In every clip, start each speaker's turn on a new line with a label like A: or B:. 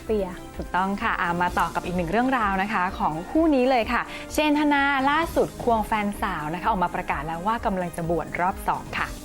A: เฟีย
B: ถูกต้องค่ะมาต่อกับอีกหนึ่งเรื่องราวนะคะของคู่นี้เลยค่ะ เชนธนาล่าสุดควงแฟนสาวนะคะออกมาประกาศแล้วว่ากำลังจะบวชรอบ 2 ค่ะ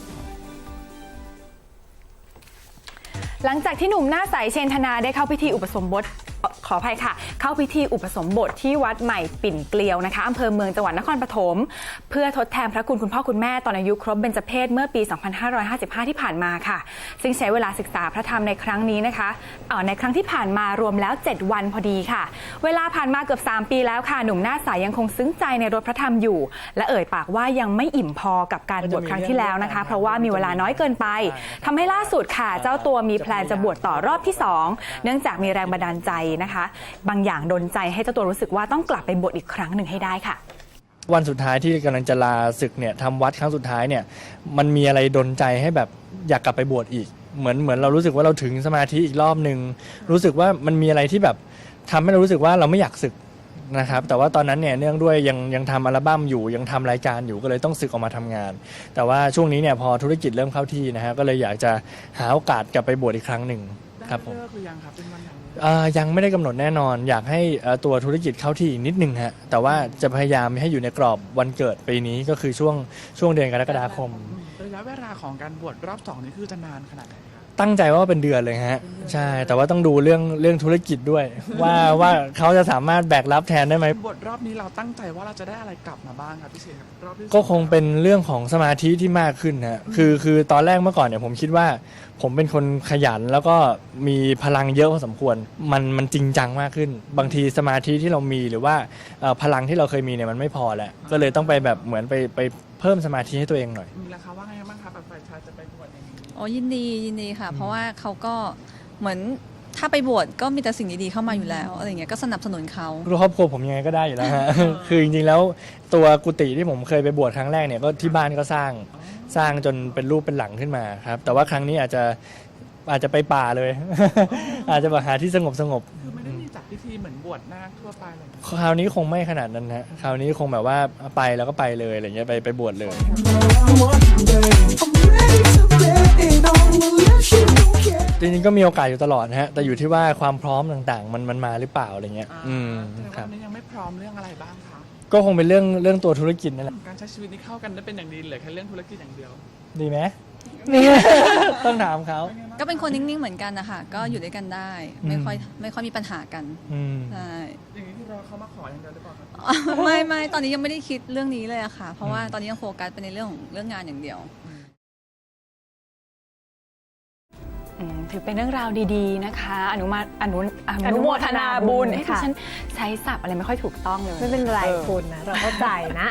B: หลังจากที่หนุ่มหน้าใสเชนธนาได้เข้าพิธีอุปสมบทขออภัยค่ะเข้าพิธีอุปสมบทที่วัดใหม่ปิ่นเกลียวนะคะอำเภอเมืองจังหวัดนครปฐมเพื่อทดแทนพระคุณพ่อคุณแม่ตอนอายุครบเบญจเพสเมื่อปี 2555 ที่ผ่านมาค่ะซึ่งใช้เวลาศึกษาพระธรรมในครั้งนี้นะคะในครั้งที่ผ่านมารวมแล้ว 7 วันพอดีค่ะเวลาผ่านมาเกือบ3 ปีแล้วค่ะหนุ่มหน้าใสยังคงซึ้งใจในรสพระธรรมอยู่และเอ่ยปากว่ายังไม่อิ่มพอกับการบวชครั้งที่แล้วนะคะเพราะว่ามีเวลาน้อยเกินไปทำให้ล่าสุดค่ะเจ้าตัวมีแพลนจะบวชต่อรอบที่ 2เนื่องจากมีแรงบันดาลใจนะคะบางอย่างดลใจให้เจ้าตัวรู้สึกว่าต้องกลับไปบวชอีกครั้งหนึ่งให้ได้ค่ะ
C: วันสุดท้ายที่กำลังจะลาศึกเนี่ยทำวัดครั้งสุดท้ายเนี่ยมันมีอะไรดลใจให้แบบอยากกลับไปบวชอีกเหมือนเรารู้สึกว่าเราถึงสมาธิอีกรอบหนึ่งรู้สึกว่ามันมีอะไรที่แบบทำให้เรารู้สึกว่าเราไม่อยากศึกนะครับแต่ว่าตอนนั้นเนี่ยเนื่องด้วยยังทำอัลบั้มอยู่ยังทำรายการอยู่ก็เลยต้องศึกออกมาทำงานแต่ว่าช่วงนี้เนี่ยพอธุรกิจเริ่มเข้าที่นะฮะก็เลยอยากจะหาโอกาสกลับไปบวชอีกครั้งหนึ่งครับผม
D: ได้เลิกหรือยังครับเป็นวันไหน
C: ยังไม่ได้กำหนดแน่นอนอยากให้ตัวธุรกิจเข้าที่อีกนิดนึงฮะแต่ว่าจะพยายามให้อยู่ในกรอบวันเกิดปีนี้ก็คือช่วงเดือนกรกฎาคม
D: ระยะเวลาของการบวชรอบ 2นี่คือจะนานขนาดไหนครับ
C: ตั้งใจว่าเป็นเดือนเลยฮะใช่แต่ว่าต้องดูเรื่องธุรกิจด้วย ว่าเขาจะสามารถแบกรับแทนได้ไหม
D: บวชรอบนี้เราตั้งใจว่าเราจะได้อะไรกลับมาบ้างครับพี่เชนครับรอบที่
C: ก็คงเป็นเรื่องของสมาธิที่มากขึ้นฮะคือตอนแรกเมื่อก่อนเนี่ยผมคิดว่าผมเป็นคนขยันแล้วก็มีพลังเยอะพอสมควรมันจริงจังมากขึ้น บางทีสมาธิที่เรามีหรือว่าพลังที่เราเคยมีเนี่ยมันไม่พอแหละก็เลยต้องไปแบบเหมือนไปเพิ่มสมาธิให้ตัวเองหน่อย
D: มีราคาว่าไงบ้างครับแบบฝ่ายชายจะไปบวชอย่างนี้
E: อ๋อยินดีค่ะ เพราะว่าเขาก็เหมือนถ้าไปบวชก็มีแต่สิ่งดีๆเข้ามาอยู่แล้วอะไรเงี้ยก็สนับสนุนเขา
C: ครอบครัวผมยังไงก็ได้อยู่แล้วฮะ คือจริงๆแล้วตัวกุฏิที่ผมเคยไปบวชครั้งแรกเนี่ยก็ที่บ้านก็สร้างจนเป็นรูปเป็นหลังขึ้นมาครับแต่ว่าครั้งนี้อาจจะไปป่าเลย อาจจะมาหาที่สงบ
D: คือไม่ได้มีจัดพิธีเหมือนบวชนาคทั่วไปเลย
C: คราวนี้คงไม่ขนาดนั้นฮะคราวนี้คงแบบว่าไปแล้วก็ไปเลยอะไรเงี้ยไปบวชเลย จริงๆก็มีโอกาสอยู่ตลอดนะฮะแต่อยู่ที่ว่าความพร้อมต่างๆมันมาหรือเปล่าอะไรเงี้ยค
D: แต่
C: รับ
D: วันนี้ยังไม่พร้อมเรื่องอะไรบ้างคะ
C: ก็คงเป็นเรื่องตัวธุรกิจนั่นแหละ
D: การใช้ชีวิตนี้เข้ากันได้เป็นอย่างดีเหลือแค่เรื่องธุรกิจอย่างเดียว
C: ดีไหม ต้องถามเขา
E: ก็เป็นคนนิ่งๆเหมือนกันนะคะก็อยู่ด้วยกันได้ ไม่ค่อยมีปัญหากัน
C: อืม
E: ใช่
D: อย่างนี้ที่รอเขามาขออย่างเดียวหรือเปล่าครับ
E: ไม่ตอนนี้ยังไม่ได้คิดเรื่องนี้เลยอะค่ะ เพราะว่าตอนนี้ยังโฟกัสไปในเรื่องงานอย่างเดียว
B: ถือเป็นเรื่องราวดีๆนะคะอนุโมทนาบุญ
A: ค่ะ
B: ฉันใช้ศัพท์อะไรไม่ค่อยถูกต้องเลย
A: ไม่เป็นไรคุณนะเราเข้าใจนะ